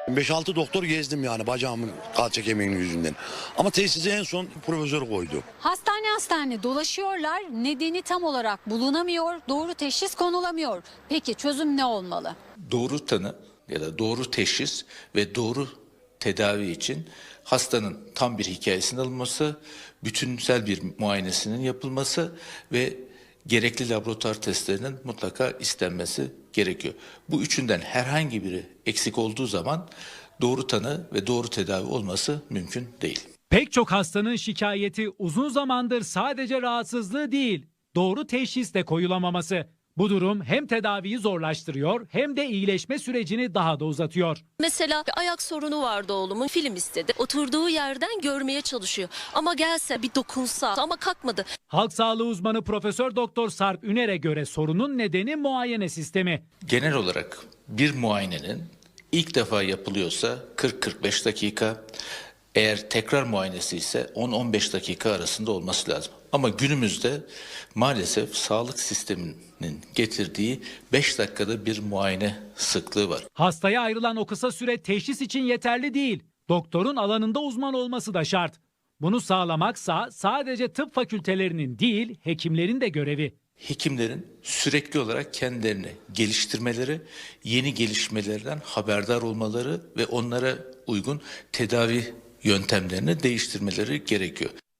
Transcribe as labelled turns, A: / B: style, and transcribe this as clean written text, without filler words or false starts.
A: 5-6 doktor gezdim yani bacağımın kalça kemiğinin yüzünden. Ama tesisi en son profesör koydu.
B: Hastane dolaşıyorlar, nedeni tam olarak bulunamıyor, doğru teşhis konulamıyor. Peki çözüm ne olmalı?
C: Doğru tanı ya da doğru teşhis ve doğru tedavi için hastanın tam bir hikayesinin alınması, bütünsel bir muayenesinin yapılması ve gerekli laboratuvar testlerinin mutlaka istenmesi gerekiyor. Bu üçünden herhangi biri eksik olduğu zaman doğru tanı ve doğru tedavi olması mümkün değil.
D: Pek çok hastanın şikayeti uzun zamandır sadece rahatsızlığı değil, doğru teşhis de koyulamaması. Bu durum hem tedaviyi zorlaştırıyor hem de iyileşme sürecini daha da uzatıyor.
E: Mesela bir ayak sorunu vardı oğlumun, film istedi. Oturduğu yerden görmeye çalışıyor. Ama gelse bir dokunsa ama kalkmadı.
D: Halk sağlığı uzmanı Profesör Doktor Sarp Üner'e göre sorunun nedeni muayene sistemi.
C: Genel olarak bir muayenenin ilk defa yapılıyorsa 40-45 dakika, eğer tekrar muayenesi ise 10-15 dakika arasında olması lazım. Ama günümüzde maalesef sağlık sisteminin getirdiği 5 dakikada bir muayene sıklığı var.
D: Hastaya ayrılan o kısa süre teşhis için yeterli değil. Doktorun alanında uzman olması da şart. Bunu sağlamaksa sadece tıp fakültelerinin değil, hekimlerin de görevi.
C: Hekimlerin sürekli olarak kendilerini geliştirmeleri, yeni gelişmelerden haberdar olmaları ve onlara uygun tedavi yöntemlerini değiştirmeleri gerekiyor.